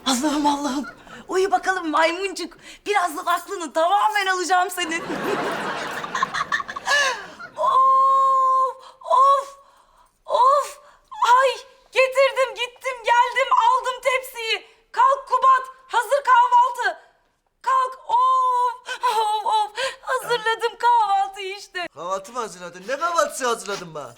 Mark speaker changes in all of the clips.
Speaker 1: Allah'ım Allah'ım. Uyu bakalım maymuncuk. Birazdan aklını tamamen alacağım senin. Of, of, of. Ay getirdim gittim geldim aldım tepsiyi. Kalk Kubat hazır kahvaltı. Kalk of, of, of. Hazırladım kahvaltıyı işte.
Speaker 2: Kahvaltı mı hazırladın? Ne kahvaltısı hazırladın bana?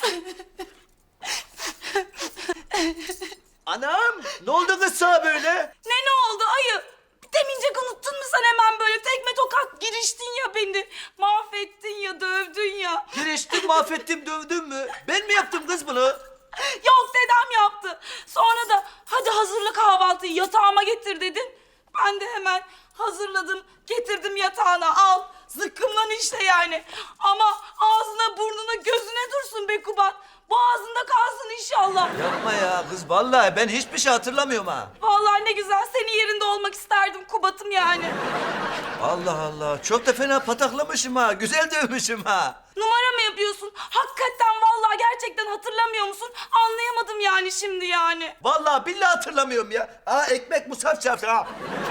Speaker 2: Anam! Ne oldu kız sana böyle?
Speaker 1: Ne oldu ayı? Demincek unuttun mu sen hemen böyle tekme tokat giriştin ya beni. Mahvettin ya dövdün ya.
Speaker 2: Giriştim, mahvettim, dövdün mü? Ben mi yaptım kız bunu?
Speaker 1: Yok dedem yaptı. Sonra da hadi hazırla kahvaltıyı yatağıma getir dedin. Ben de hemen hazırladım getirdim yatağına al. Zıkkımlan işte yani. Ama ağzına burnuna gözüne dursun be Kubat. Boğazında kalsın inşallah.
Speaker 2: Yapma ya kız, vallahi ben hiçbir şey hatırlamıyorum ha.
Speaker 1: Vallahi ne güzel senin yerinde olmak isterdim Kubat'ım yani.
Speaker 2: Allah Allah, çok da fena pataklamışım ha, güzel dövmüşüm ha.
Speaker 1: Numara mı yapıyorsun? Hakikaten vallahi gerçekten hatırlamıyor musun? Anlayamadım yani şimdi yani.
Speaker 2: Vallahi billahi hatırlamıyorum ya. Aa ekmek musaf çarptı ha.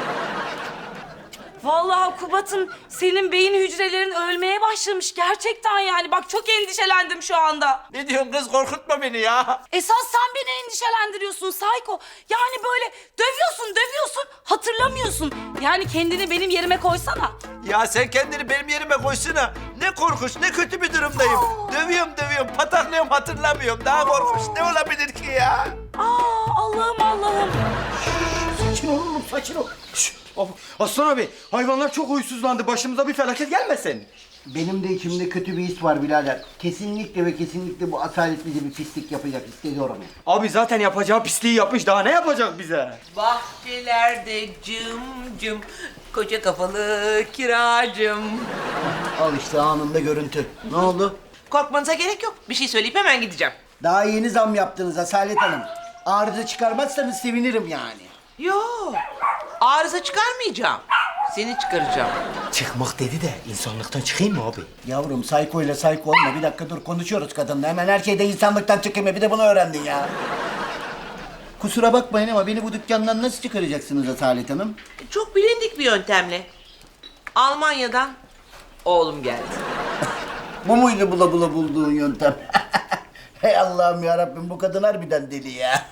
Speaker 1: Vallahi Kubat'ım senin beyin hücrelerin ölmeye başlamış gerçekten yani. Bak çok endişelendim şu anda.
Speaker 2: Ne diyorsun kız, korkutma beni ya.
Speaker 1: Esas sen beni endişelendiriyorsun Sayko. Yani böyle dövüyorsun hatırlamıyorsun. Yani kendini benim yerime koysana.
Speaker 2: Ya sen kendini benim yerime koysana. Ne korkunç, ne kötü bir durumdayım. Dövüyorum, pataklıyorum, hatırlamıyorum. Daha korkunç ne olabilir ki ya?
Speaker 1: Aa Allah'ım Allah'ım.
Speaker 3: Sakin ol oğlum, sakin ol. Aslan abi, hayvanlar çok huysuzlandı. Başımıza bir felaket gelmesin.
Speaker 4: Benim de içimde kötü bir his var birader. Kesinlikle ve kesinlikle bu asalet bize bir pislik yapacak hissediyorum.
Speaker 3: Abi zaten yapacağı pisliği yapmış. Daha ne yapacak bize?
Speaker 5: Bahçelerde cım cım, koca kafalı kiracım.
Speaker 4: Al işte anında görüntü. Ne oldu?
Speaker 5: Korkmanıza gerek yok. Bir şey söyleyip hemen gideceğim.
Speaker 4: Daha yeni zam yaptınız Asalet Hanım. Arıza çıkarmazsanız sevinirim yani.
Speaker 5: Yo, arıza çıkarmayacağım. Seni çıkaracağım.
Speaker 3: Çıkmak dedi de insanlıktan çıkayım mı abi?
Speaker 4: Yavrum sayko ile sayko olma. Bir dakika dur konuşuyoruz kadınla. Hemen her şeyde insanlıktan çıkayım. Bir de bunu öğrendin ya. Kusura bakmayın ama beni bu dükkandan nasıl çıkaracaksınız Asalet Hanım?
Speaker 5: Çok bilindik bir yöntemle. Almanya'dan oğlum geldi.
Speaker 4: Bu muydu bula bula bulduğun yöntem? Hey Allah'ım ya Rabbim bu kadın harbiden deli ya.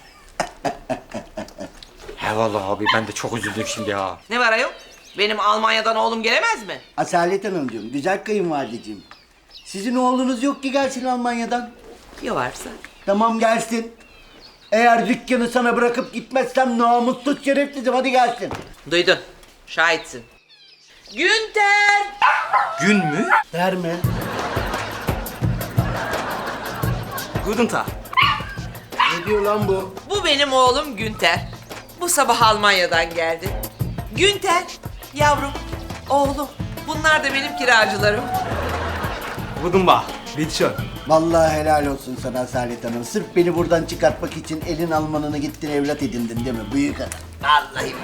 Speaker 3: He vallahi abi ben de çok üzüldüm şimdi ya.
Speaker 5: Ne var ayol? Benim Almanya'dan oğlum gelemez mi?
Speaker 4: Asalet Hanımcığım, güzel kayınvalideciğim. Sizin oğlunuz yok ki gelsin Almanya'dan.
Speaker 5: Ya varsa?
Speaker 4: Tamam gelsin. Eğer dükkanı sana bırakıp gitmezsem namussuz şerefsizim hadi gelsin.
Speaker 5: Duydun. Şahitsin. Günter!
Speaker 3: Gün mü?
Speaker 4: Verme.
Speaker 3: Guten Tag.
Speaker 4: Ne diyor lan bu?
Speaker 5: Bu benim oğlum Günter. Bu sabah Almanya'dan geldi. Günter, yavrum, oğlum. Bunlar da benim kiracılarım.
Speaker 3: Guten Tag. Bitte
Speaker 4: Vallahi helal olsun sana Asalet Hanım. Sırf beni buradan çıkartmak için elin Almanını gittin evlat edindin değil mi? Büyük adam.
Speaker 5: Vallahi.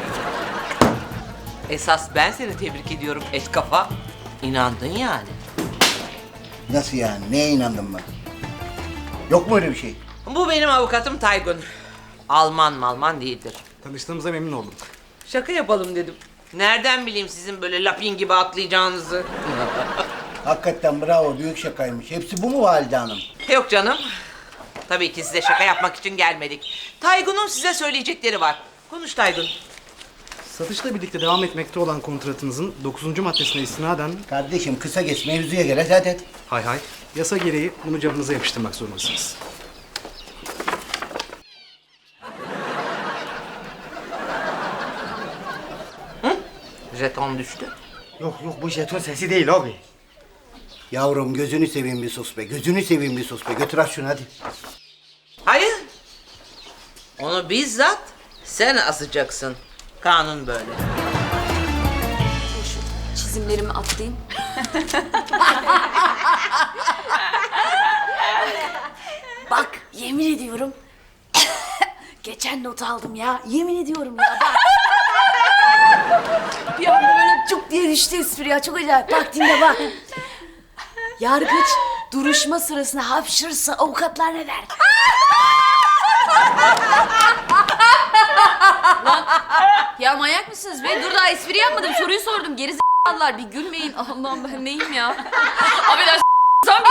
Speaker 5: Esas ben seni tebrik ediyorum et kafa. İnandın yani.
Speaker 4: Nasıl yani? Neye inandın ben? Yok mu öyle bir şey?
Speaker 5: Bu benim avukatım Taygun. Alman değildir.
Speaker 3: Tanıştığımıza memnun oldum.
Speaker 5: Şaka yapalım dedim. Nereden bileyim sizin böyle lapin gibi atlayacağınızı?
Speaker 4: Hakikaten bravo büyük şakaymış. Hepsi bu mu Valide Hanım?
Speaker 5: Yok canım. Tabii ki size şaka yapmak için gelmedik. Taygun'un size söyleyecekleri var. Konuş Taygun.
Speaker 6: Satışla birlikte devam etmekte olan kontratınızın 9. maddesine istinaden
Speaker 4: Kardeşim kısa geç mevzuya gel hadi.
Speaker 6: hay hay yasa gereği bunu cebinize yapıştırmak zorundasınız.
Speaker 5: Jeton düştü.
Speaker 3: Yok bu jeton sesi değil abi.
Speaker 4: Yavrum gözünü seveyim bir sus be. Gözünü seveyim bir sus be. Götür aç şunu hadi.
Speaker 5: Hayır. Onu bizzat sen asacaksın. Kanun böyle.
Speaker 7: Çizimlerimi atlayayım. Bak yemin ediyorum. Geçen not aldım ya. Yemin ediyorum ya bak. Bir anda böyle cuk diye düştü espri ya. Çok acayip. Bak dinle bak. Yargıç duruşma sırasında hapşırsa avukatlar ne der? Lan Ya manyak mısınız be? Dur daha espri yapmadım. Soruyu sordum. Geri z***lar. Bir gülmeyin. Allah'ım ben neyim ya? Abi ben sen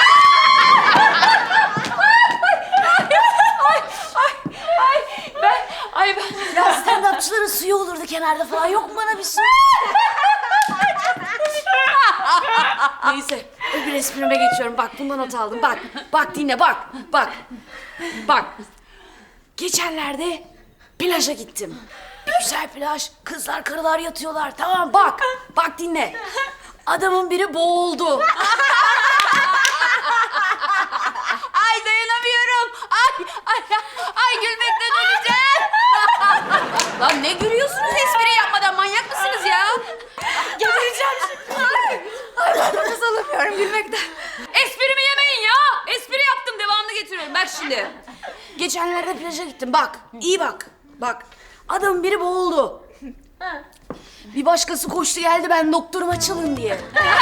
Speaker 7: ben... Ya stand-upçıların suyu olurdu kenarda falan. Yok mu bana bir su? Neyse. Öbür esprime geçiyorum. Bak bundan not aldım. Bak. Bak dinle bak. Bak. Bak. Geçenlerde plaja gittim. Bir güzel plaj. Kızlar karılar yatıyorlar. Tamam bak. Bak dinle. Adamın biri boğuldu. Ay dayanamıyorum. Ay gülmekten öleceğim. Lan ne gülüyorsunuz espri yapmadan? Manyak mısınız ya? Gebereceğim şimdi. Ay ben nefes alamıyorum gülmekten. Esprimi yemeyin ya. Espri yaptım devamını getiriyorum. Bak şimdi. Geçenlerde plaja gittim. Bak iyi bak. Bak adamın biri boğuldu. Bir başkası koştu geldi ben doktoruma çalın diye.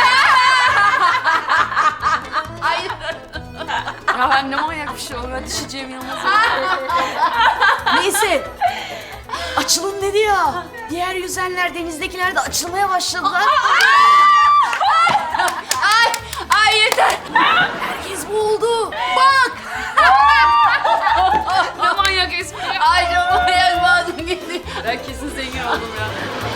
Speaker 7: Hayır. Ya ne manyak bir şey olur. Ben düşeceğim yalnız. Neyse. Açılın dedi ya. Diğer yüzenler denizdekiler de açılmaya başladılar. Ay yeter. Herkes boğuldu. Bak. Ne manyak espri. Ay ne manyak bazım gitti. Ben kesin zengin oldum ya.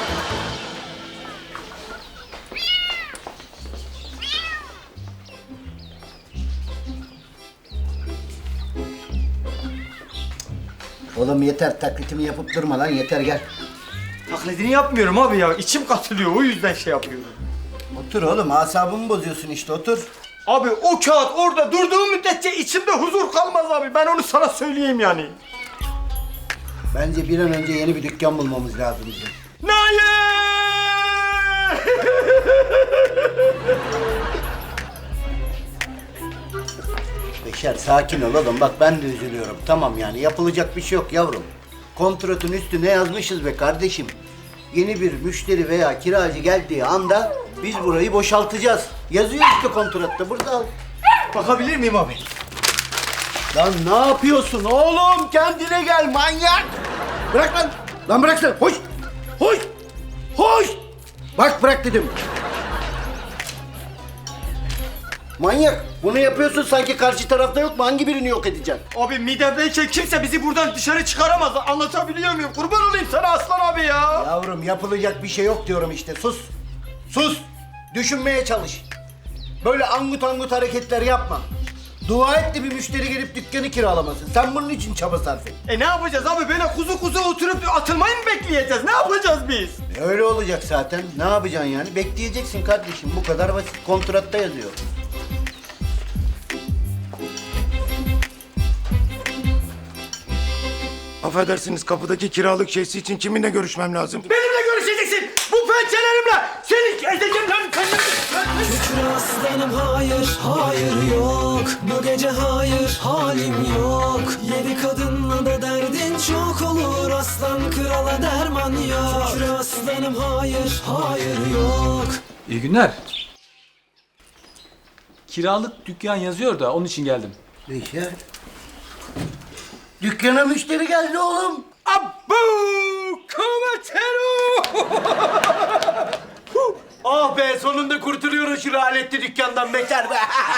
Speaker 4: Oğlum yeter taklitimi yapıp durma lan yeter gel.
Speaker 3: Taklidini yapmıyorum abi ya. İçim katılıyor o yüzden şey yapıyorum.
Speaker 4: Otur oğlum asabımı bozuyorsun işte otur.
Speaker 3: Abi o kağıt orada durduğu müddetçe içimde huzur kalmaz abi. Ben onu sana söyleyeyim yani.
Speaker 4: Bence bir an önce yeni bir dükkan bulmamız lazım bizim.
Speaker 3: Naye!
Speaker 4: Beşer sakin ol oğlum bak ben de üzülüyorum. Tamam yani yapılacak bir şey yok yavrum. Kontratın üstüne yazmışız be kardeşim. Yeni bir müşteri veya kiracı geldiği anda biz burayı boşaltacağız. Yazıyor işte kontratta burada al.
Speaker 3: Bakabilir miyim abi?
Speaker 4: Lan ne yapıyorsun oğlum? Kendine gel manyak. Bırak lan. Lan bırak sen. Hoş. Hoş. Hoş. Bak bırak dedim. Manyak. Bunu yapıyorsun sanki karşı tarafta yok mu? Hangi birini yok edeceksin?
Speaker 3: Abi midemdeyken kimse bizi buradan dışarı çıkaramaz. Anlatabiliyor muyum? Kurban olayım sana aslan abi ya.
Speaker 4: Yavrum yapılacak bir şey yok diyorum işte. Sus. Sus. Düşünmeye çalış. Böyle angut angut hareketler yapma. Dua et de bir müşteri gelip dükkanı kiralamasın. Sen bunun için çaba sarf et.
Speaker 3: Ne yapacağız abi? Böyle kuzu kuzu oturup atılmayı mı bekleyeceğiz? Ne yapacağız biz?
Speaker 4: Öyle olacak zaten. Ne yapacaksın yani? Bekleyeceksin kardeşim. Bu kadar basit. Kontratta yazıyor.
Speaker 8: Affedersiniz kapıdaki kiralık şeysi için kiminle görüşmem lazım?
Speaker 3: Benimle görüşeceksin. Bu pençelerimle. Seni ezeceğim lan.
Speaker 9: Şükür aslanım hayır, hayır yok. Bu gece hayır, halim yok. Yedi kadınla da derdin çok olur. Aslan krala derman yok. Şükür aslanım hayır, hayır yok.
Speaker 10: İyi günler. Kiralık dükkan yazıyor da onun için geldim.
Speaker 4: Beşer. Dükkana müşteri geldi oğlum.
Speaker 3: Abbu kometero.
Speaker 4: Ah be sonunda kurtuluyoruz şu lanetli dükkandan Beşer be.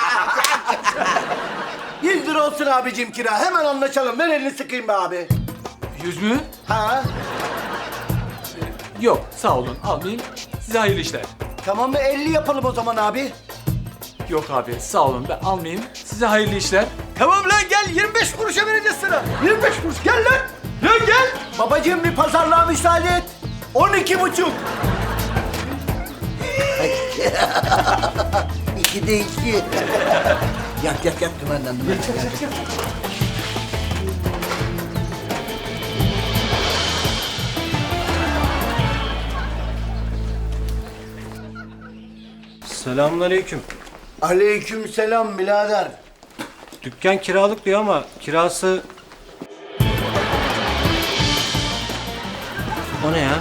Speaker 4: 100 lira olsun abicim kira. Hemen anlaşalım. Ver elini sıkayım be abi.
Speaker 10: 100 mü?
Speaker 4: Ha?
Speaker 10: Yok sağ olun almayayım. Size hayırlı işler.
Speaker 4: Tamam mı? 50 yapalım o zaman abi.
Speaker 10: Yok abi sağ olun ben almayayım. Size hayırlı işler.
Speaker 3: Tamam lan gel 25 kuruşa vereceğiz sana. 25 kuruş gel lan. Lan gel.
Speaker 4: Babacığım bir pazarlığa müsaade et. 12,5. İki de iki. Yak dümenden.
Speaker 11: Selamünaleyküm.
Speaker 4: Aleykümselam birader.
Speaker 11: Dükkan kiralık diyor ama kirası... O ne ya?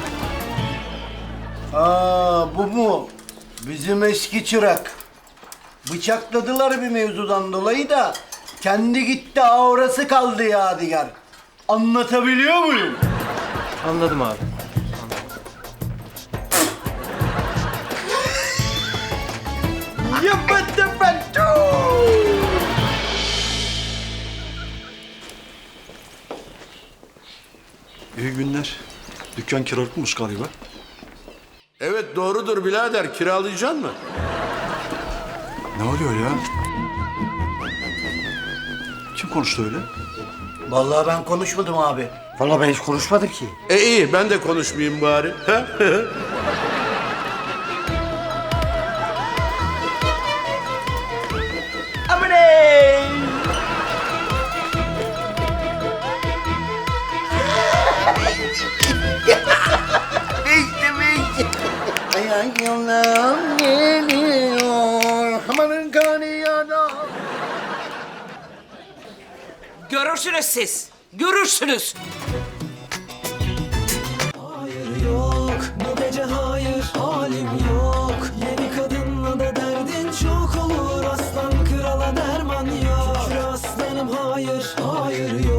Speaker 4: Aa bu mu? Bizim eski çırak. Bıçakladılar bir mevzudan dolayı da kendi gitti aurası kaldı yadigar. Anlatabiliyor muyum?
Speaker 11: Anladım abi.
Speaker 12: İyi günler. Dükkan kiralıkmış galiba.
Speaker 8: Evet doğrudur birader. Kiralayacaksın mı?
Speaker 12: Ne oluyor ya? Kim konuştu öyle?
Speaker 4: Vallahi ben konuşmadım abi.
Speaker 3: Vallahi ben hiç konuşmadım ki.
Speaker 8: İyi ben de konuşmayayım bari.
Speaker 2: Amaney!
Speaker 4: Ayan yolum geliyor. Amanın kanı yana.
Speaker 5: Görürsünüz siz. Görürsünüz.
Speaker 9: Hayır yok bu gece hayır halim yok. Yeni kadınla da derdin çok olur. Aslan krala derman yok. Şükür aslanım hayır hayır yok.